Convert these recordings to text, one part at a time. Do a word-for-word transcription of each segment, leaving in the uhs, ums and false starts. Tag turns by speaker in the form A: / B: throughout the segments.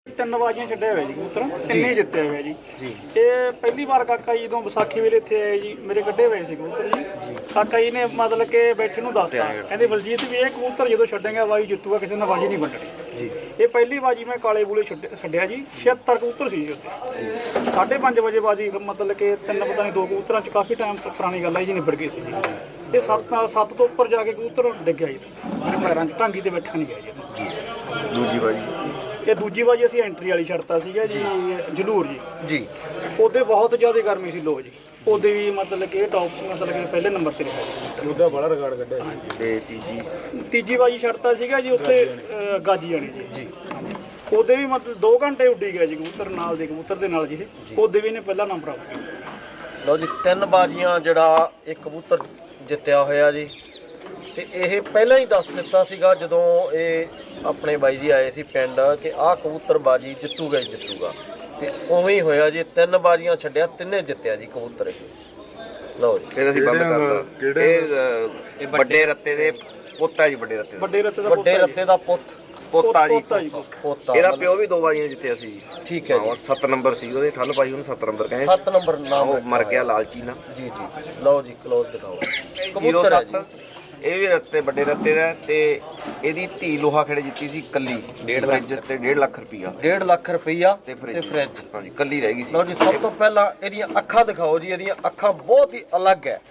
A: ਤਿੰਨ ਬਾਜ਼ੀਆਂ ਛੱਡੇ ਹੋਏ ਜੀ ਕਬੂਤਰ, ਤਿੰਨੇ ਜਿੱਤੇ ਹੋਏ ਜੀ। ਇਹ ਪਹਿਲੀ ਵਾਰ ਕਾਕਾ ਜੀ ਜਦੋਂ ਵਿਸਾਖੀ ਵੇਲੇ ਇੱਥੇ ਆਏ ਜੀ, ਮੇਰੇ ਕੱਢੇ ਹੋਏ ਸੀ ਕਬੂਤਰ ਜੀ। ਕਾਕਾ ਜੀ ਨੇ ਮਤਲਬ ਕਿ ਬੈਠੇ ਨੂੰ ਦੱਸਤਾ, ਕਹਿੰਦੇ ਬਲਜੀਤ ਵੀ ਇਹ ਕਬੂਤਰ ਜਦੋਂ ਛੱਡੇਗਾ ਬਾਜੀ ਜਿੱਤੂਗਾ, ਕਿਸੇ ਨਾਲ ਬਾਜੀ ਨਹੀਂ ਵੰਡਣੀ। ਇਹ ਪਹਿਲੀ ਬਾਜੀ ਮੈਂ ਕਾਲੇ ਬੂਲੇ ਛੱਡਿਆ ਜੀ, ਛਿਹੱਤਰ ਕਬੂਤਰ ਸੀ ਜੀ ਉੱਤੇ। ਸਾਢੇ ਪੰਜ ਵਜੇ ਬਾਜੀ ਮਤਲਬ ਕਿ ਤਿੰਨ ਪਤਾ ਨਹੀਂ ਦੋ ਕਬੂਤਰਾਂ 'ਚ ਕਾਫੀ ਟਾਈਮ ਪੁਰਾਣੀ ਗੱਲ ਹੈ ਜੀ, ਨਿਬੜ ਗਈ ਸੀ ਜੀ। ਇਹ ਸੱਤ ਸੱਤ ਤੋਂ ਉੱਪਰ ਜਾ ਕੇ ਕਬੂਤਰ ਡਿੱਗਿਆ ਜੀ, ਮੇਰੇ ਪੈਰਾਂ 'ਚ ਢਾਂਗੀ ਤੇ ਬੈਠਾ ਨਹੀਂ ਗਿਆ ਜੀ।
B: ਦੂਜੀ ਬਾਜੀ
A: ਇਹ ਦੂਜੀ ਵਾਰੀ ਅਸੀਂ ਐਂਟਰੀ ਵਾਲੀ ਛੱਡਤਾ ਸੀਗਾ ਜੀ, ਜਲੂਰ ਜੀ
B: ਜੀ।
A: ਉਹਦੇ ਬਹੁਤ ਜ਼ਿਆਦਾ ਗਰਮੀ ਸੀ ਲੋ ਜੀ, ਉਹਦੇ ਵੀ ਮਤਲਬ ਕਿ ਟੌਪ ਮਤਲਬ ਕਿ ਪਹਿਲੇ ਨੰਬਰ ਤੇ ਰਿਹਾ ਜੀ, ਉਹਦਾ ਬੜਾ ਰਿਕਾਰਡ ਕੱਢਿਆ।
B: ਤੇ ਤੀਜੀ
A: ਤੀਜੀ ਵਾਰੀ ਛੱਡਤਾ ਸੀਗਾ ਜੀ ਉੱਥੇ ਗਾਜੀ ਜਾਣੀ ਜੀ ਜੀ ਉਹਦੇ ਵੀ ਮਤਲਬ ਦੋ ਘੰਟੇ ਉੱਡੀ ਗਿਆ ਜੀ ਕਬੂਤਰ ਨਾਲ ਦੇ ਕਬੂਤਰ ਦੇ ਨਾਲ ਜੀ, ਉਹਦੇ ਵੀ ਨੇ ਪਹਿਲਾ ਨੰਬਰ ਪ੍ਰਾਪਤ ਕੀਤਾ।
C: ਲਓ ਜੀ ਤਿੰਨ ਬਾਜ਼ੀਆਂ ਜਿਹੜਾ ਇੱਕ ਕਬੂਤਰ ਜਿੱਤਿਆ ਹੋਇਆ ਜੀ। ਤੇ ਇਹ ਪਹਿਲਾਂ ਹੀ ਦੱਸ ਦਿੱਤਾ ਸੀਗਾ ਜਦੋਂ ਇਹ ਆਪਣੇ ਬਾਈ ਜੀ ਆਏ ਸੀ ਪਿੰਡ ਕਿ ਆਹ ਕਬੂਤਰ ਬਾਜੀ ਜਿੱਤੂਗਾ ਹੀ ਜਿੱਤੂਗਾ, ਤੇ ਉਵੇਂ ਹੀ ਹੋਇਆ ਜੀ। ਤਿੰਨ ਬਾਜ਼ੀਆਂ ਛੱਡਿਆ, ਤਿੰਨੇ ਜਿੱਤਿਆ ਜੀ ਕਬੂਤਰ ਇਹ। ਲਓ ਜੀ
B: ਫਿਰ ਅਸੀਂ ਬੰਦ ਕਰਤਾ। ਇਹ ਵੱਡੇ ਰੱਤੇ ਦੇ ਪੁੱਤ ਹੈ ਜੀ, ਵੱਡੇ ਰੱਤੇ ਦਾ
A: ਵੱਡੇ ਰੱਤੇ ਦਾ
C: ਵੱਡੇ ਰੱਤੇ ਦਾ ਪੁੱਤ
B: ਪੋਤਾ ਜੀ,
C: ਪੋਤਾ।
B: ਇਹਦਾ ਪਿਓ ਵੀ ਦੋ ਬਾਜ਼ੀਆਂ ਜਿੱਤਿਆ ਸੀ।
C: ਠੀਕ ਹੈ ਜੀ।
B: ਸੱਤ ਨੰਬਰ ਸੀ ਉਹਦੇ, ਠੱਲ ਪਾਈ ਉਹਨੂੰ ਸੱਤ ਨੰਬਰ ਕਹਿੰਦੇ।
C: ਸੱਤ ਨੰਬਰ ਨਾਮ
B: ਉਹ ਮਰ ਗਿਆ ਲਾਲਚੀ ਨਾਲ
C: ਜੀ ਜੀ। ਲਓ ਜੀ ਕਲੋਜ਼ ਦਿਖਾਓ।
B: ਜ਼ੀਰੋ ਸੱਤ ਇਹ ਵੀ ਰੱਤੇ ਵੱਡੇ ਰੱਤੇ ਦਾ। ਤੇ ਇਹਦੀ ਧੀ ਲੋਹਾ ਖੇੜੇ ਜਿੱਤੀ ਸੀ ਕੱਲੀ, ਡੇਢ ਲੱਖ ਤੇ ਡੇਢ ਲੱਖ ਰੁਪਈਆ
C: ਡੇਢ ਲੱਖ ਰੁਪਈਆ
B: ਤੇ
C: ਤੇ ਫ੍ਰਿਜ।
B: ਹਾਂਜੀ ਕੱਲੀ ਰਹਿ ਗਈ ਸੀ।
C: ਲਓ ਜੀ ਸਭ ਤੋਂ ਪਹਿਲਾਂ ਇਹਦੀਆਂ ਅੱਖਾਂ ਦਿਖਾਓ ਜੀ। ਇਹਦੀਆਂ ਅੱਖਾਂ ਬਹੁਤ ਹੀ ਅਲੱਗ ਹੈ,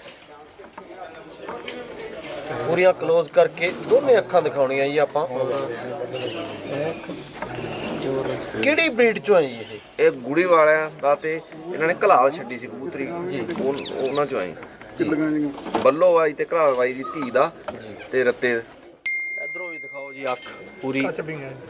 C: ਪੂਰੀਆਂ ਕਲੋਜ਼ ਕਰਕੇ ਦੋਨੇ ਅੱਖਾਂ ਦਿਖਾਉਣੀਆਂ ਜੀ ਆਪਾਂ। ਕਿਹੜੀ ਬਰੀਡ ਚੋਂ ਆਈ ਇਹ?
B: ਇਹ ਗੁੜੀ ਵਾਲਿਆਂ ਦਾ, ਤੇ ਇਹਨਾਂ ਨੇ ਘਲਾਲ ਛੱਡੀ ਸੀ ਕਬੂਤਰੀ ਜੀ, ਉਹਨਾਂ ਚੋਂ ਆਈ ਬੱਲੋ ਬਾਈ ਤੇ ਘਲਾਲ ਬਾਈ ਦੀ ਧੀ ਦਾ। ਤੇ ਰੱਤੇ
C: ਇਧਰੋਂ ਵੀ ਦਿਖਾਓ ਜੀ ਅੱਖ ਪੂਰੀ।
B: ਕੁੱਤਿਆਂ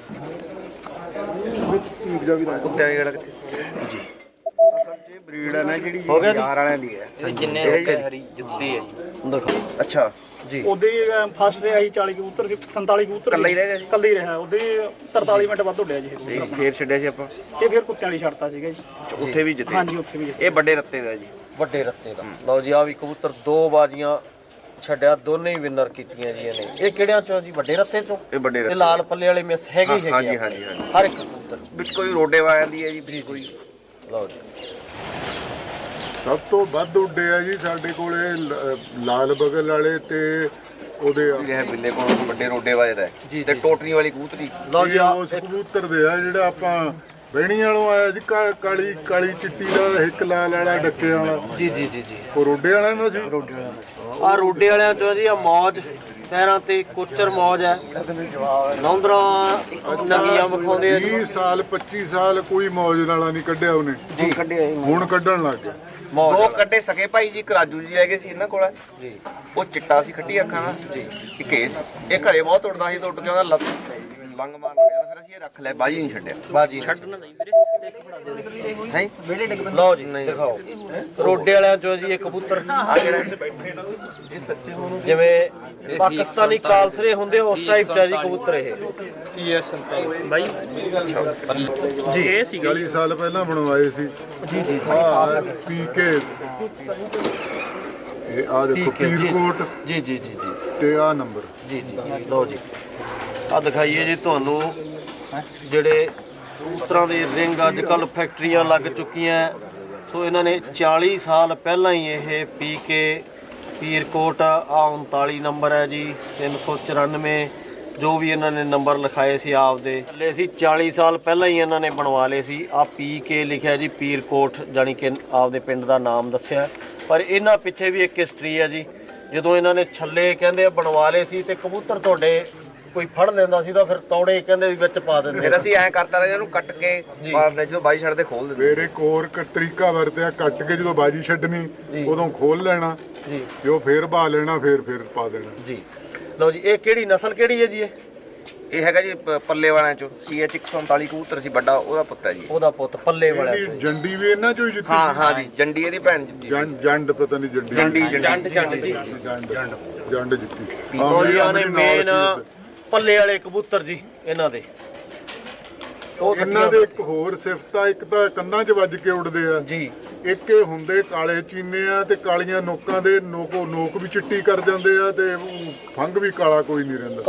B: ਦੀ ਜਿਹੜਾ ਕਿੱਥੇ ਜੀ ਅਸਲ 'ਚ ਬਰੀਡ ਹੈ ਨਾ ਜਿਹੜੀ ਯਾਰ ਵਾਲਿਆਂ ਦੀ ਹੈ,
D: ਜਿੰਨੇ ਹਰੀ ਜੁੱਤੀ ਹੈ ਜੀ।
C: ਦਿਖਾਓ
B: ਅੱਛਾ
C: ਜੀ।
A: ਉਹਦੇ ਫਸਟ ਰਿਹਾ ਸੀ ਚਾਲੀ ਕਬੂਤਰ ਸੀ, ਸੰਤਾਲੀ ਕਬੂਤਰ
B: ਇਕੱਲਾ ਹੀ ਰਹਿ ਗਿਆ ਜੀ?
A: ਇਕੱਲਾ ਹੀ ਰਿਹਾ। ਉਹਦੇ ਤਰਤਾਲੀ ਮਿੰਟ ਵੱਧ ਉੱਡਿਆ ਜੀ ਇਹ
B: ਤੇ
A: ਕਬੂਤਰ।
B: ਫੇਰ ਛੱਡਿਆ ਸੀ ਆਪਾਂ,
A: ਇਹ ਫਿਰ ਕੁੱਤਿਆਂ ਵਾਲੀ ਛੱਡਤਾ ਸੀਗਾ ਜੀ।
B: ਉੱਥੇ ਵੀ ਜਿੱਤੇ।
A: ਹਾਂਜੀ ਉੱਥੇ ਵੀ ਜਿੱਤੇ।
B: ਇਹ ਵੱਡੇ ਰੱਤੇ ਦਾ ਜੀ,
C: ਵੱਡੇ ਰੱਤੇ ਦਾ। ਲਓ ਜੀ ਆ ਵੀ ਕਬੂਤਰ ਦੋ ਬਾਜ਼ੀਆਂ ਛੱਡਿਆ, ਦੋਨੇ ਹੀ ਵਿਨਰ ਕੀਤੀਆਂ ਜੀ ਇਹਨੇ। ਇਹ ਕਿਹੜਿਆਂ ਚੋਂ ਜੀ? ਵੱਡੇ ਰੱਤੇ ਚੋਂ।
B: ਇਹ ਵੱਡੇ
C: ਤੇ
B: ਰੱਤੇ
C: ਲਾਲ ਪੱਲੇ ਵਾਲੇ ਮਿਸ ਹੈਗੇ ਹੀ ਹੈਗੇ
B: ਹਾਂਜੀ
C: ਆ
B: ਹਾਂਜੀ ਹਾਂਜੀ।
C: ਹਰ ਇੱਕ ਕਬੂਤਰ
B: ਵਿੱਚ ਕੋਈ ਰੋਡੇ ਵਾਲਿਆਂ ਦੀ ਹੈ ਜੀ ਕੋਈ।
C: ਲਓ ਜੀ
E: ਸਭ ਤੋਂ ਵੱਧ ਉੱਡੇ ਆ ਜੀ ਸਾਡੇ ਕੋਲੇ ਲ- ਲਾਲ ਬਗਲ ਵਾਲੇ ਤੇ ਉਹਦੇ
B: ਇਹ ਬਿੱਲੇ ਕੋਲ ਵੱਡੇ ਰੋਡੇ ਵਾਲੇ ਦਾ ਹੈ। ਤੇ ਟੋਟਰੀ ਵਾਲੀ ਕਬੂਤਰੀ।
C: ਲਓ ਜੀ
E: ਇਹ
C: ਆ
E: ਉਸ ਕਬੂਤਰ ਦੇ ਆ ਜਿਹੜਾ ਆਪਾਂ ਬਹਿਣੀ ਵਾਲੋਂ ਆਇਆ ਜੀ, ਕਾ- ਕਾਲੀ ਕਾਲੀ ਚਿੱਟੀ ਦਾ ਇੱਕ ਲਾਲ ਵਾਲਾ ਡੱਕੇ ਵਾਲਾ,
C: ਜੀ ਜੀ ਜੀ ਜੀ।
E: ਉਹ ਰੋਡੇ ਵਾਲਿਆਂ ਦਾ ਸੀ।
C: ਆ ਰੋਡੇ ਵਾਲਿਆਂ ਚੋਂ ਜੀ ਆ ਮੌਜ, ਪੈਰਾਂ ਤੇ ਕੋਚਰ ਮੌਜ ਹੈ, ਨੌਂਦਰਾਂ ਨੰਗੀਆਂ ਵਿਖਾਉਂਦੇ ਆ ਜੀ।
E: ਵੀਹ ਸਾਲ ਪੱਚੀ ਸਾਲ ਕੋਈ ਮੌਜ ਨਾਲਾ ਨਹੀਂ ਕੱਢਿਆ ਉਹਨੇ,
B: ਜੀ ਕੱਢੇ
E: ਹੁਣ ਕੱਢਣ ਲੱਗ ਗਿਆ।
C: ਮੌਜ
B: ਦੋ ਕੱਢੇ ਸਕੇ ਭਾਈ ਜੀ, ਕਰਾਜੂ ਜੀ ਰਹਿ ਗਏ ਸੀ ਇਹਨਾਂ ਕੋਲ
C: ਜੀ
B: ਉਹ ਚਿੱਟਾ ਸੀ ਖੱਟੀ ਅੱਖਾਂ ਦਾ ਜੀ। ਇੱਕ ਕੇਸ ਇਹ ਘਰੇ ਬਹੁਤ ਉੱਡਦਾ ਸੀ, ਤੇ ਉੱਡ ਕੇ ਉਹਦਾ ਲੱਤ ਲੰਗ ਮਾਰ ਗਿਆ। ਫਿਰ ਅਸੀਂ ਇਹ ਰੱਖ ਲਿਆ, ਬਾਜੀ ਨਹੀਂ ਛੱਡਿਆ।
C: ਬਾਜੀ
D: ਛੱਡਣਾ ਨਹੀਂ ਵੀਰੇ, ਇੱਕ ਫੜਾ ਦੇ ਦੇ।
B: ਹੈ
C: ਲਓ ਜੀ ਦਿਖਾਓ ਰੋਡੇ ਵਾਲਿਆਂ ਚੋਂ ਜੀ ਇਹ ਕਬੂਤਰ।
B: ਆ ਕਿਹੜਾ
C: ਜਿਵੇਂ ਪਾਕਿਸਤਾਨੀ ਕਾਲਸਰੇ ਹੁੰਦੇ ਉਸ ਟਾਈਪ ਦਾ ਜੀ ਕਬੂਤਰ ਇਹ।
D: ਸੀ ਐਸ ਬਾਈ
C: ਜੀ
D: ਇਹ ਸੀਗਾ
E: ਚਾਲੀ ਸਾਲ ਪਹਿਲਾਂ ਬਣਵਾਏ ਸੀ
C: ਜੀ ਜੀ
E: ਆ ਪੀ ਕੇ। ਇਹ ਆ ਦੇਖੋ
C: ਠੀਕ ਹੈ ਜੀ।
E: ਪੀਰਕੋਟ
C: ਜੀ ਜੀ ਜੀ ਜੀ
E: ਤੇ ਆ ਨੰਬਰ।
C: ਜੀ ਜੀ ਲਓ ਜੀ ਆ ਦਿਖਾਈਏ ਜੀ ਤੁਹਾਨੂੰ ਜਿਹੜੇ ਕਬੂਤਰਾਂ ਦੇ ਰਿੰਗ ਅੱਜ ਕੱਲ ਫੈਕਟਰੀਆਂ ਲੱਗ ਚੁੱਕੀਆਂ। ਸੋ ਇਹਨਾਂ ਨੇ ਚਾਲੀ ਸਾਲ ਪਹਿਲਾਂ ਹੀ ਇਹ ਪੀ ਕੇ ਪੀਰਕੋਟ ਆ ਉਨਤਾਲੀ ਨੰਬਰ ਹੈ ਜੀ, ਤਿੰਨ ਸੌ ਚੁਰਾਨਵੇਂ ਜੋ ਵੀ ਇਹਨਾਂ ਨੇ ਨੰਬਰ ਲਿਖਾਏ ਸੀ ਆਪਦੇ ਲੈ ਸੀ, ਚਾਲੀ ਸਾਲ ਪਹਿਲਾਂ ਹੀ ਇਹਨਾਂ ਨੇ ਬਣਵਾ ਲਏ ਸੀ। ਆ ਪੀ ਕੇ ਲਿਖਿਆ ਜੀ ਪੀਰਕੋਟ, ਜਾਣੀ ਕਿ ਆਪਦੇ ਪਿੰਡ ਦਾ ਨਾਮ ਦੱਸਿਆ। ਪਰ ਇਹਨਾਂ ਪਿੱਛੇ ਵੀ ਇੱਕ ਹਿਸਟਰੀ ਹੈ ਜੀ। ਜਦੋਂ ਇਹਨਾਂ ਨੇ ਛੱਲੇ ਕਹਿੰਦੇ ਬਣਵਾ ਲਏ ਸੀ ਤੇ ਕਬੂਤਰ ਤੁਹਾਡੇ ਕੋਈ ਫੜ ਲੈਂਦਾ ਸੀ ਤਾਂ ਫਿਰ ਤੌੜੇ ਕਹਿੰਦੇ ਵਿੱਚ ਪਾ ਦਿੰਦੇ।
B: ਫਿਰ ਅਸੀਂ ਐਂ ਕਰਤਾ ਰਹੇ ਇਹਨੂੰ ਕੱਟ ਕੇ ਪਾ ਦਿੰਦੇ, ਜਦੋਂ ਬਾਈ ਛੱਡਦੇ ਖੋਲ ਦਿੰਦੇ।
E: ਮੇਰੇ ਕੋਰ ਕ ਤਰੀਕਾ ਵਰਤਿਆ, ਕੱਟ ਕੇ ਜਦੋਂ ਬਾਜੀ ਛੱਡਣੀ ਉਦੋਂ ਖੋਲ ਲੈਣਾ
C: ਜੀ
E: ਤੇ ਉਹ ਫੇਰ ਬਾ ਲੈਣਾ, ਫੇਰ ਫੇਰ ਪਾ ਦੇਣਾ
C: ਜੀ। ਲਓ ਜੀ ਇਹ ਕਿਹੜੀ ਨਸਲ ਕਿਹੜੀ ਹੈ ਜੀ? ਇਹ
B: ਇਹ ਹੈਗਾ ਜੀ ਪ- ਪੱਲੇ ਵਾਲਿਆਂ ਚੋਂ ਸੀ ਐਚ ਇੱਕ ਸੌ ਉਨਤਾਲੀ ਕਬੂਤਰ ਸੀ ਵੱਡਾ, ਉਹਦਾ ਪੁੱਤ ਹੈ ਜੀ।
C: ਉਹਦਾ ਪੁੱਤ ਪੱਲੇ ਵਾਲਾ
E: ਇਹਦੀ ਜੰਡੀ ਵੀ ਇਹਨਾਂ ਚੋਂ ਹੀ ਜਿੱਤੀ
B: ਹਾਂ
E: ਸੀ।
B: ਹਾਂ ਜੀ, ਜੰਡੀ ਇਹਦੀ ਭੈਣ ਜਿੱਤੀ ਸੀ।
E: ਜੰਡ ਜੰਡ ਪਤਾ ਨਹੀਂ ਜੰਡੀ
B: ਜੰਡੀ
D: ਜੰਡ
B: ਜੰਡੀ
D: ਜੰਡ ਜੀ।
E: ਜੰਡ ਜੰਡ ਜਿੱਤੀ ਸੀ। ਹਾਂ,
C: ਲਓ ਜੀ ਆਹ ਨੇ
E: ਮੇਰੇ ਨਾਲ
C: ਮੇਨ
E: ਸੀ।
C: ਪੱਲੇ ਵਾਲੇ ਕਬੂਤਰ ਜੀ ਇਹਨਾਂ ਦੇ। ਉਹ
E: ਇਹਨਾਂ ਦੇ ਇੱਕ ਹੋਰ ਸਿਫਤ ਆ, ਇੱਕ ਤਾਂ ਕੰਧਾਂ 'ਚ ਵੱਜ ਕੇ ਉੱਡਦੇ ਆ
C: ਜੀ,
E: ਇੱਕ ਇਹ ਹੁੰਦੇ ਕਾਲੇ ਚੀਨੇ ਆ ਤੇ ਕਾਲੀਆਂ ਨੋਕਾਂ ਦੇ ਨੋਕੋ ਨੋਕ ਵੀ ਚਿੱਟੀ ਕਰ ਜਾਂਦੇ ਆ ਤੇ ਫੰਗ ਵੀ ਕਾਲਾ ਕੋਈ ਨਹੀਂ ਰਹਿੰਦਾ।